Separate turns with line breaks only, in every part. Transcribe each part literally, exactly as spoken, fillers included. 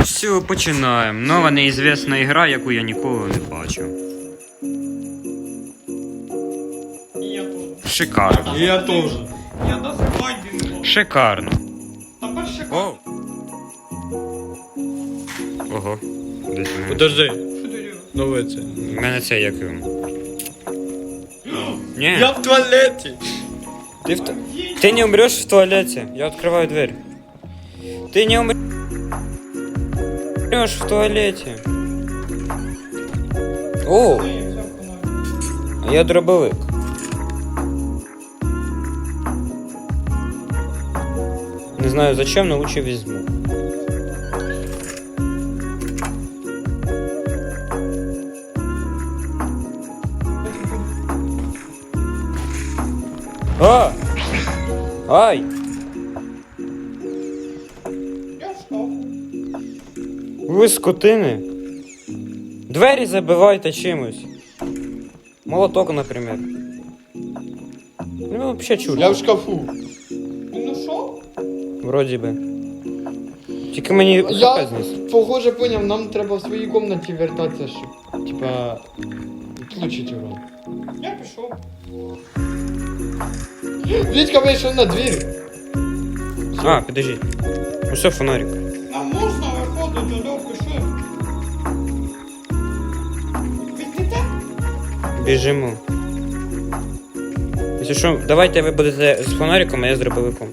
Все, починаємо. Нова неізвісна ігра, яку я ніколи не бачив.
И я тоже.
Шикарно.
Я тоже.
Я даже майди не мог.
Шикарно.
Тепер шикарно.
О. Ого. Десь мене.
Подожди,
Що ти робиш?
нове це.
У мене це як його. Ні.
Я в туалеті.
Ти, в... ту- Ти не умреш в туалеті. Я відкриваю двері. Ти не умреш в туалеті. О,
Ні, я взяв фонарик.
а я дробовик. Не знаю зачем, но лучше візьму. А! Ай!
Я в шкафу.
Ви скотини. Двері забивайте чимось. Молоток, наприклад. Ну, взагалі чудо.
Я в шкафу.
Він ушов?
Вроді би. Тільки мені
Я,
хп зніс.
похоже, поняв, нам треба в своїй кімнаті вертатися, щоб, типа, відключити урон.
Я пішов.
Вітька вийшов на двір.
А, підожди. Усе фонарик.
Нам можна виходити, Льов, пішли. Відійдете?
Біжимо. Якщо що, давайте ви будете з фонариком, а я з дробовиком.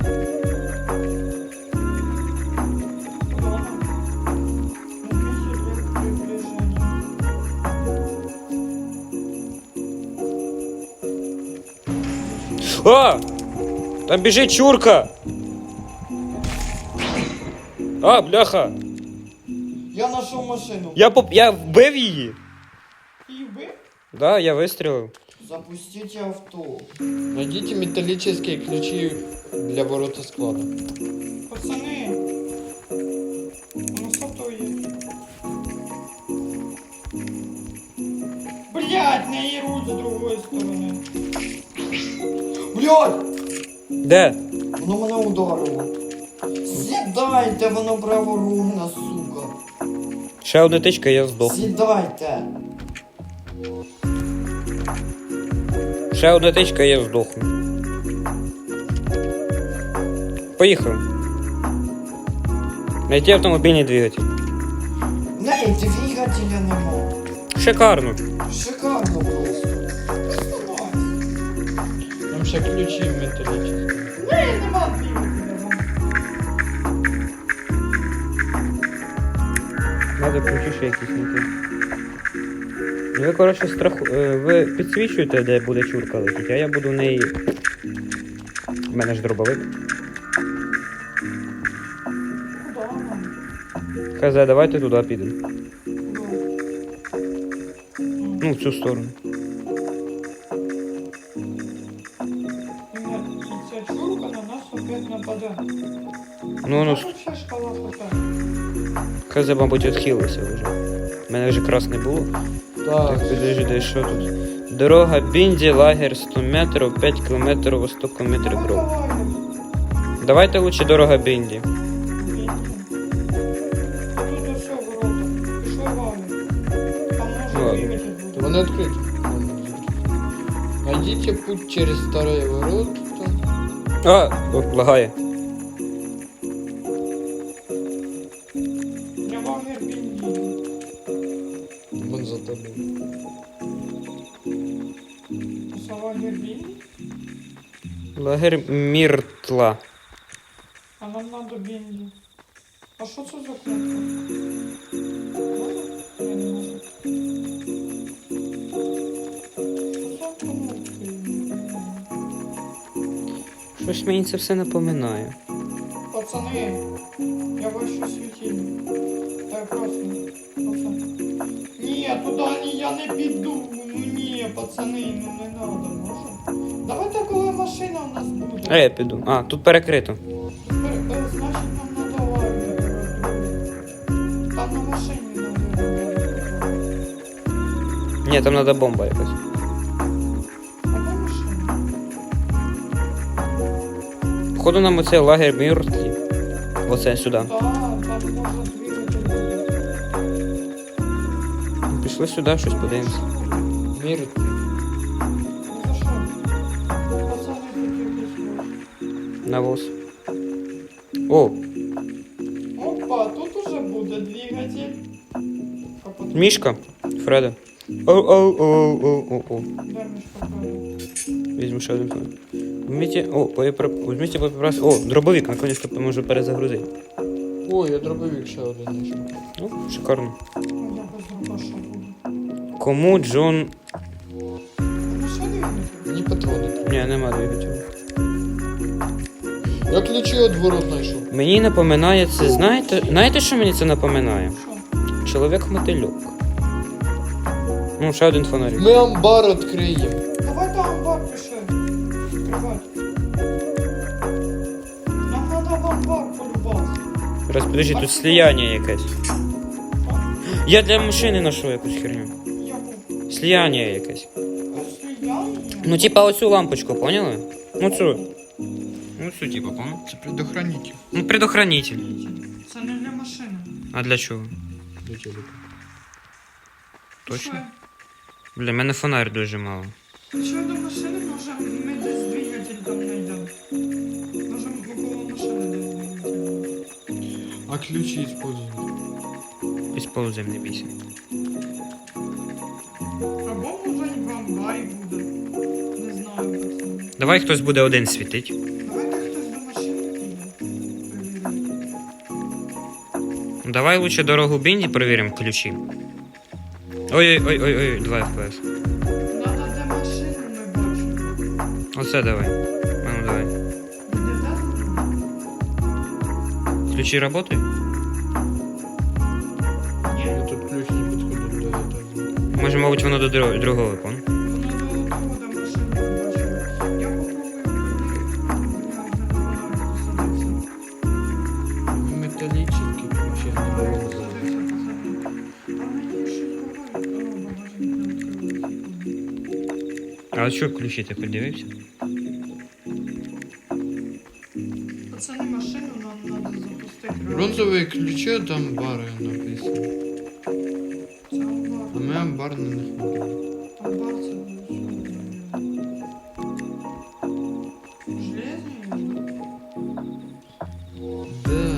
А! Там біжить чурка! А, бляха!
Я знайшов машину.
Я поп... я вбив її!
І ви?
Да, я вистрілив.
Запустите авто. Найдите металлические ключи для ворота склада.
Пацани. У нас авто є. Блять, не їруть з другої сторони.
Блядь!
Де?
Воно мене ударило. Сідайте, воно праворугна, сука.
Ще одна тичка, і я здох.
Сідайте.
Ще одна тичка, і я здохну. Поїхав. Найти автомобільний двигатель.
Не, двигателя нема.
Шикарно.
Шикарно просто. Там ще ключі металічні.
Ні, нема двігателя.
Надо ключі якісь знайти. Ви, коротше, страху... е, ви підсвічуєте, де буде чурка летіти, а я буду в неї... У мене ж дробовик.
Куда нам?
Хз, давайте туди підемо. Ну, в цю сторону.
І ця чурка на нас опять нападе.
Ну, ну,
Там ще шкала хп.
хз, мабуть, відхилилося вже. У мене вже красне було.
Так.
Так, підожди, що тут? Дорога Бінді, лагер сто метрів, п'ять кілометрів, востоку метрів
Давай,
дров.
давай.
Давайте лучше дорога Бінді.
Бінді. А тут усе ворота. Пішли вали. Там може
Ладно.
двигатель буде.
Вони відкриті. Найдите путь через старые ворота.
А, о, лагає.
Я лагер Бінді.
Вон за тобою.
Це лагер Бінді?
Лагер Міртла.
А нам надо Бінді. А що це за кнопка? Можна? Ні, не можна. Що за кнопки?
Щось мені це все напоминає.
Пацани, я бачу світильник. Так, красно. Пацан. Ні, туди ні, я не піду. Ну ні, пацани, ну не надо, може? Давайте, коли машина у нас буде.
А я піду. А, тут перекрито.
Пер- е, Значить, нам надо лагер. Там на машині надо лагер.
Ні, там треба бомба якась.
А де машина?
Походу нам оце лагер Міртлі. Оце сюди.
Так, там можна двигатель. двигатель.
Пішли сюди, щось подивимось.
Мірити.
Ну за що? Пацани тут якісь ось.
Навоз. О,
Опа, тут уже буде двигатель. Капот.
мішка. Фреда. Оу-оу-оу-оу-оу.
Де мішка Фреда?
Візьму ще один фон. Вміть, о, боєпри... Візьміть боєприпас. О, дробовик, наконец-то можу перезагрузити.
О, я дробовик ще один знайшов.
Ну, шикарно.
Ну, я без дробаша буду.
Кому Джон...
Ну що двигатель?
Мені патрони.
Ні, нема двигателя.
Я ключі від ворот знайшов.
Мені напоминає це, знаєте, знаєте, що мені це напоминає?
Що?
Чоловік-мотильок. Ну, ще один фонарик.
Ми амбар відкриємо.
Давай там амбар пиши. Відкривай. Нам надо в амбар полюбас.
Раз, подожди, тут слияння якесь. Я для машини знайшов якусь херню.
Яку?
Слияння якесь.
Розсліяння?
Ну, типа оцю лампочку, поняли? Ну цю. Ну цю, типа, понял?
Це предохранитель.
Ну, предохранитель.
Це не для машини.
А для чого?
До телека.
Точно?
Що?
Бля, мене фонарь дуже мало.
Якщо до машини, може ми десь двигатель там знайдемо. Може около машини десь двигатель.
А ключі используємо.
Используем, не бійся.
Або може і в амбарі буде. Не знаю, пацани.
Давай хтось буде один світить.
Давайте хтось до машини піде. Перевіримо.
Давай лучше дорогу Бінді перевіримо ключі. Ой-ой-ой-ой, два еф пі ес.
Надо де машини ми бачимо.
Оце давай. А ну давай.
Де де?
Ключі працюють?
Ні.
Я тут ключ не підходить до этого.
Може, мабуть, воно до дро- другого, пон?
Воно до того, де машини ми бачимо. Я попробую перевірити.
Металлический ключ я не можу взяти.
А що ключі ти подивився?
Пацани, машину нам надо запустити.
Бронзові ключі від амбара написано.
Це амбар.
А ми амбар не знаходимо.
Амбар це железний?
Да.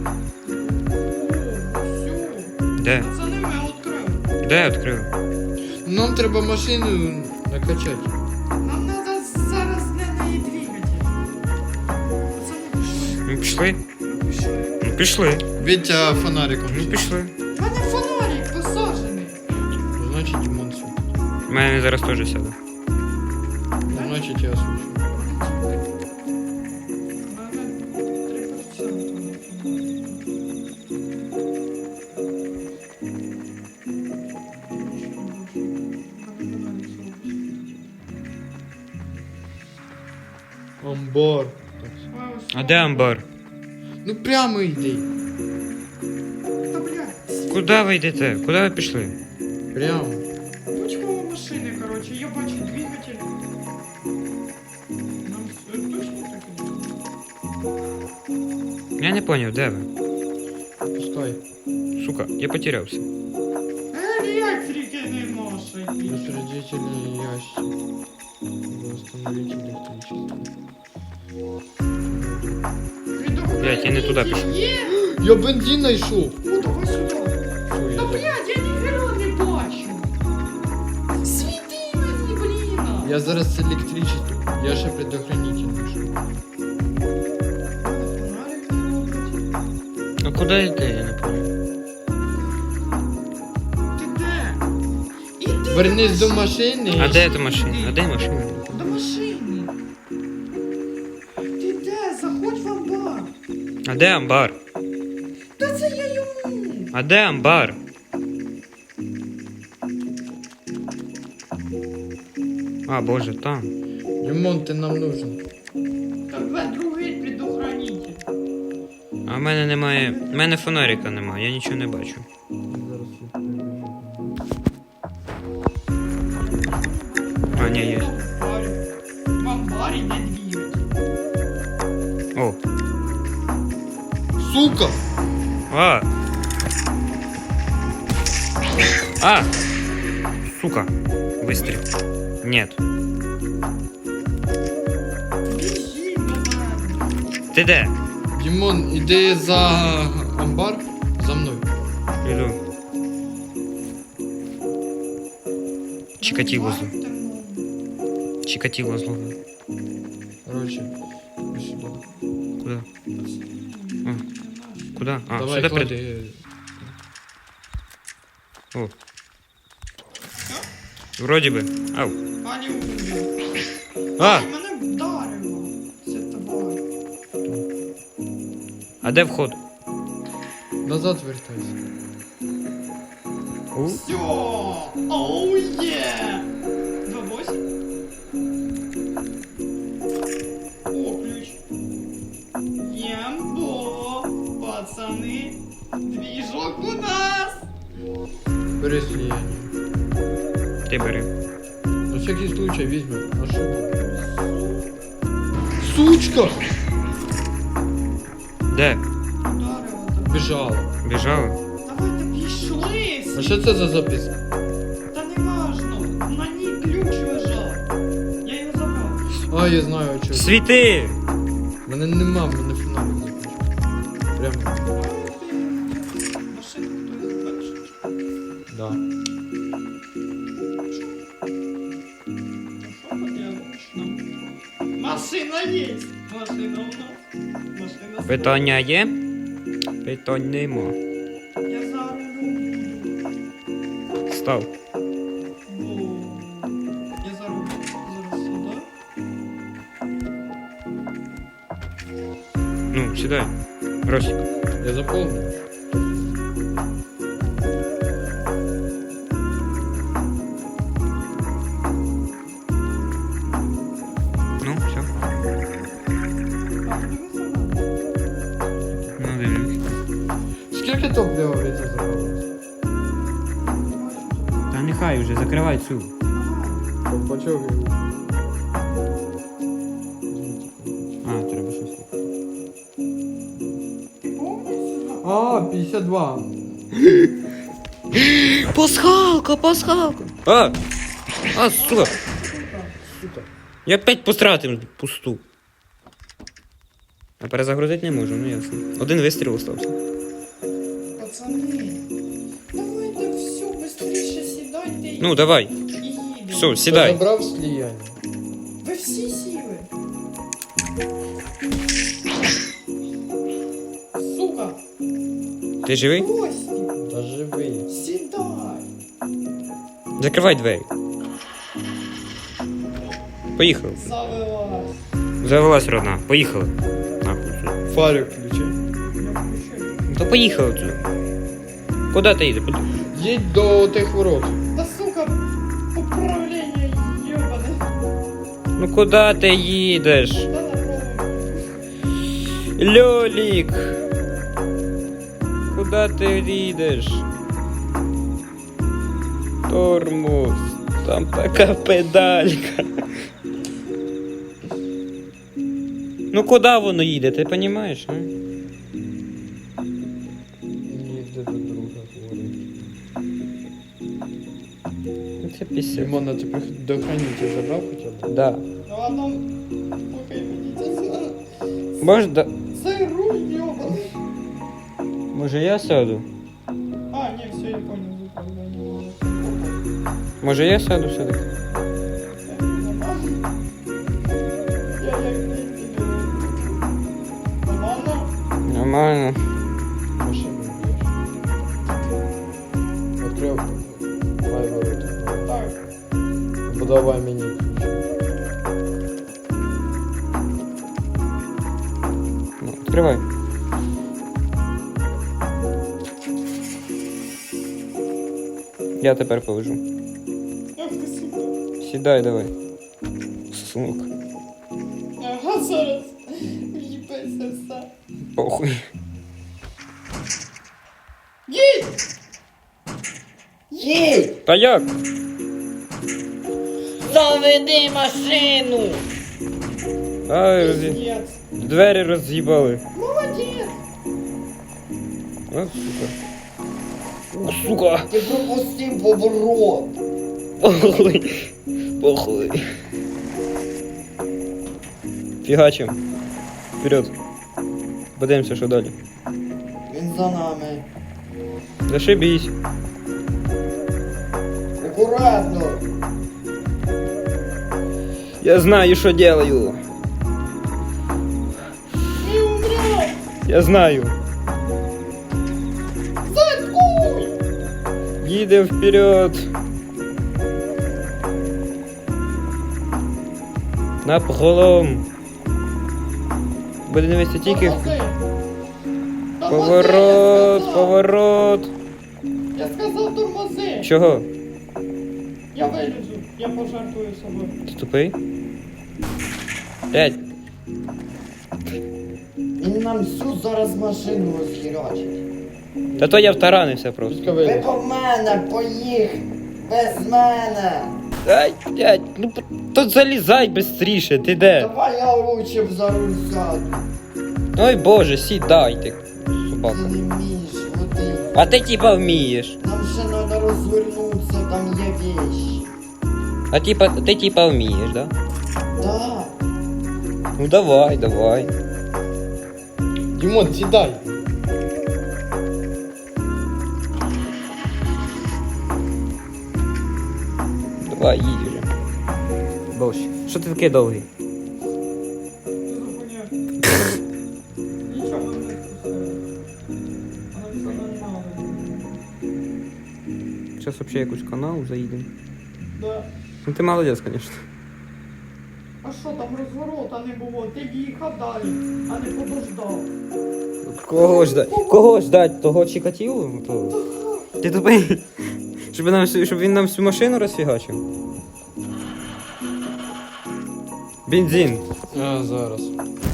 Все.
Де?
Пацани, ми відкрили.
Де я відкрив?
Нам треба машину накачати.
Нам надо зараз не неї двигатель. Пацани, пішли.
Ну пішли.
Ми пішли.
Ну пішли.
Вітя фонариком.
Ну пішли.
У мене фонарик посаджений.
Значить, Дімон світ.
У мене зараз теж сяде.
Значить, я свічу. Амбар.
А де амбар?
Ну прямо йди.
Та блядь,
Куди ви йдете? Куди ви пішли?
Прямо.
почему машини, короче, я бачу двигатель. Нам все точно так і буде?
Я не поняв, де ви?
Пускай.
Сука, я потерявся.
Електрики не може.
Распределитель ящик. Восстановить электричество.
Блядь, я не туди пішов.
Є?
Я бензин знайшов.
О, давай сюди.
Що, я
Та
так-
блядь, я ніхера не бачу. Світи мені, блін.
Я зараз з електричеством. Я ще предохранитель знайшов.
Фонарик не робить.
А куди йти, я не поняв.
Ти де? Іди
Вернись до машини.
А де та машина? А де машина?
До машини. Ти де? Заходь в амбар.
А де амбар?
Та це я йому.
А де амбар? А, боже, там.
Дімон, ти нам нужен.
Так ви другий предохранитель.
А в мене немає. В мене фонарика немає, я нічого не бачу.
Зараз я перевірю.
А, ні, є.
В амбарі не двигатель.
О.
Сука!
А! А! Сука. Выстрел. Нет.
Біжи до мене.
Ти де?
Дімон, іди за амбар, за мною.
Іду. Чикатило зло.
Бачите, ну,
Чикатило зло.
Короче, іди сюди.
Куда? А, куда? А,
Давай,
сюда прид...
клади.
О. Вроде бы. Ау.
Ані убив.
А!
Мене вдарило. Це тварь.
А де вход?
Назад вертайся.
У?
Все! Оу є! два восемь. О, ключ. Ємбо! Пацани! Двіжок у нас!
Бери сліяння.
Ти бери.
На всякий случай візьмемо. А що? Сучка!
Де?
Вдарило тебе.
Біжала.
Біжала?
Давайте пішли!
А що це за записка?
Та не важно. На ній ключ лежав. Я його забрав.
А, я знаю, а чого.
Світи!
Мене нема, мене фонарик закінчив. Прямо.
Машину хтось бачить.
Да.
Що поделаешь нам? Машина есть! Машина у нас. Машина.
Питання є? Питань нема.
Я за рулем буду.
Став.
Бо... Я за рулем. Зараз сюди.
Ну, сідай. Росик.
Я заповнив.
Ну, все.
А, дивися на.
Ну, дивлюсь.
Скільки топлива від це забралось?
Та нехай вже, закривай цю.
Ковпачок.
А, треба щось.
А, п'ятдесят два.
Пасхалка, пасхалка. А! А, сука.
Сука.
Я опять потратив пусту. А перезагрузити не можу, ну ясно. Один вистріл остався.
Пацани. Давайте все, быстріше сідайте і
Ну, давай.
і їдемо.
Все,
Я
сідай.
забрав сліяння.
Ви всі сіли. Сука,
Ти живий?
гості,
Та живий.
сідай.
Закривай двері. Поїхали.
Завелась.
Завелась родна. Поїхали. Нахуй. сюди.
Фарик включи.
Я включаю.
Ну, то поїхали тут. Куди ти їдеш? Куди?
Їдь до тих ворот.
Да сука, управление ебаное.
Ну куди ти їдеш?
Да на голову.
Льолік! Куди ти їдеш? Тормоз. Там така педалька. Ну куди воно їде, ти розумієш? А?
Їде до друга говорить.
Ну, це пісня.
Симона, ти прих- до хранителя забрав хоча б?
Да.
Ну ладно, поки мені це.
Може, да...
Це руль ебаний.
Може я сяду?
А, не, все, я понял, управление.
Може я сяду сюди?
Я як не Нормально?
Нормально.
Машину б'єш. Відкрив. Давай ворота.
Так.
Подавай мені ключ.
Ну, відкривай. Я тепер повежу.
Ах ти сука.
Сідай давай. Сумок.
Ага, зараз. Їбеться все.
Похуй.
Їдь! Їдь!
Та як?
Заведи машину!
Ай, роз'ї...
Пиздец.
Двері роз'їбали.
Молодець!
От сука. Ух, сука!
Ти пропустив поворот.
Похуй. Похуй. Фігачим. Вперед. Подивимося, що далі.
Він за нами.
Зашибись.
Акуратно.
Я знаю, що делаю.
Не умрет!
Я знаю.
Заткуй!
Їдем вперед. На пролом. Буде дивитися тільки в
Тормози. Тормози,
поворот,
я сказав.
поворот.
Я сказав тормози.
Чого?
Я вилізу, я пожартую собою.
Ти тупий? П'ять.
Він нам всю зараз машину розхірачить.
Та то я втаранився просто.
Пуска
Ви
виліз.
по мене поїх! Без мене!
Ай, блядь, ну тут залізай бистріше, ти де?
Давай я лучше б за руль сяду.
Ой боже, сідай ти,
Ти
собака.
не вмієш водити.
А ти типа вмієш.
Нам ще треба розвернутися, там є вещи.
А типа, ти типа вмієш, да?
Да.
Ну давай, давай.
Дімон, сідай.
Давай, їдь вже. Боже, що ти такий довгий?
Нічого не вкусили. Але все нормально.
Зараз взагалі якусь канал заїдемо.
Да.
Ну ти молодець, звісно.
А що там розворота не було? Ти їхав далі, а не подождав.
Кого ждать? Кого ждать? Того Чикатило? То... Ти тупий? Щоб, нам, всю- щоб він нам всю машину розфігачив? Бензин.
А, зараз.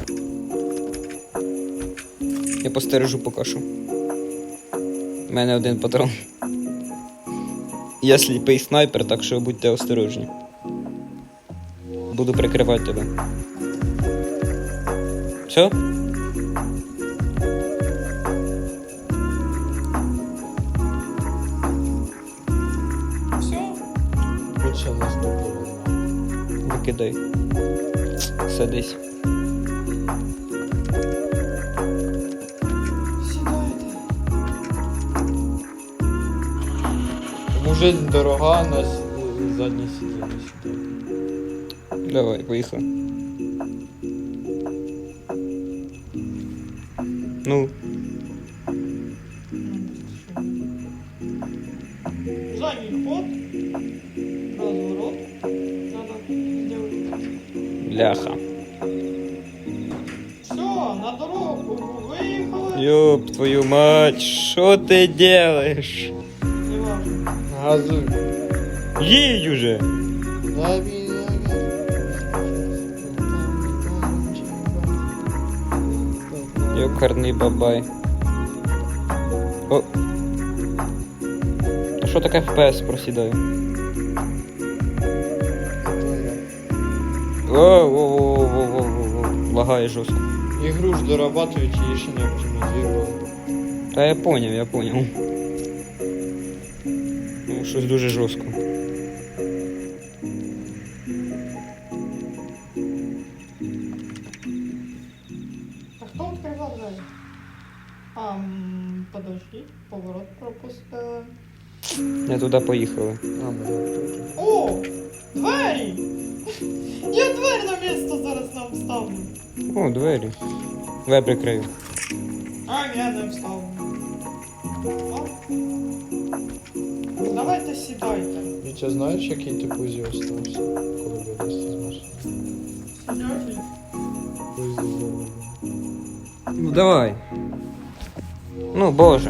Я постережу поки що. У мене один патрон. Я сліпий снайпер, так що будьте осторожні. Буду прикривати тебе. Все?
Все?
Тут ще наступного.
Викидай. Садись.
Сідайте.
Тому жизнь дорога, на с- заднє сидіння сідає.
Давай, поїхали. Ну,
Задний ход. Разворот. Надо сделать.
бляха.
Все, на дорогу виїхали.
Ёб твою мать, що ти делаешь?
Неважно.
Газуй.
Їдь уже!
Дави,
Йокарний бабай. О. Та що таке еф пі ес просідає? Воу-воу-воу-воу-воу-воу. Лагає жорстко.
Ігру ж дорабатують, її ще не оптимізували.
Та я поняв, я поняв. Ну, щось дуже жорстко.
А хто відкривав двері? А, м, подожди, поворот пропустили.
Не туди поїхали.
А, ми тут.
О, двері! Я двері на місто зараз нам вставлю.
О, двері. Давай прикрию.
А, я не вставлю. О. Давайте сідайте.
Вітя, знаєш, який ти пузі остався, коли вилізти з машини?
Сидячий.
Пузі здоровий.
Ну давай. Ну, боже.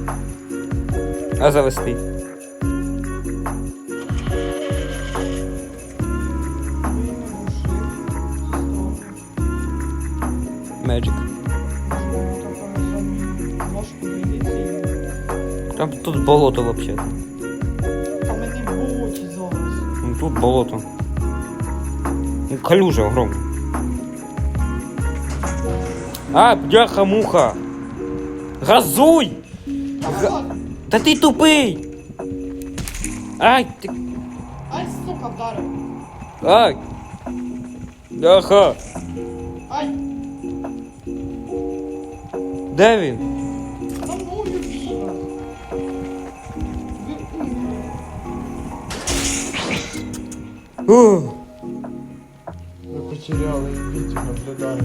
А завести? Magic. Там тут болото вообще.
Там і не болоті зараз.
Ну тут болото. Ну, калюжа огромна. А, бляха-муха! Газуй!
Та ладно.
Та ти тупий! Ай, ти...
Ай, сука, вдарив.
Ай! Бляха!
Ай,
Де він?
за мною бігав. Ви умні.
Ух.
Ми потеряли, Вітю наблюдає.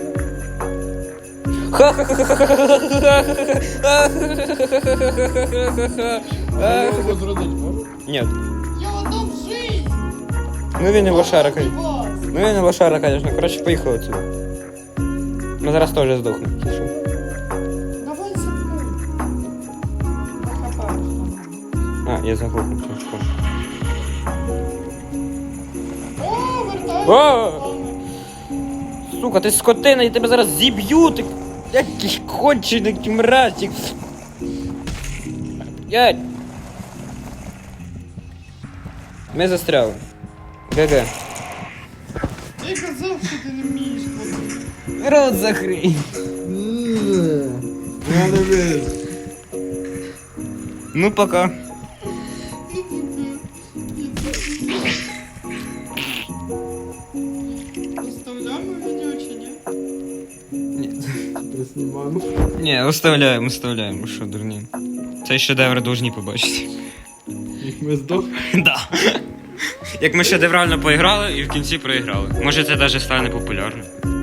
А його возродить можна?
Ні.
Я отдам жизнь.
Ну він і лошара,
Ради
конечно.
вас.
Ну він і лошара, конечно. Коротше, поїхали отсюда. Ми зараз теж здохнемо. якщо що.
Давай за мною. Похапаєш там.
А, я заглохнув чашку.
О, вертайся.
О! Сука, ти скотина, я тебе зараз зіб'ю, ти який кончений мразик. Ять. Ми застряли. ГГ.
Ти казав, що ти не вмієш ходити.
Рот закрий.
Я не вірю.
Ну, пока.
Оставляємо відео чи ні?
Ні.
Приснімаємо.
Ні, оставляємо, оставляємо, що дурні. Цей шедевр должні побачити.
Як ми здохли.
Да. Як ми шедеврально поіграли і в кінці проіграли. Може це навіть стане популярним.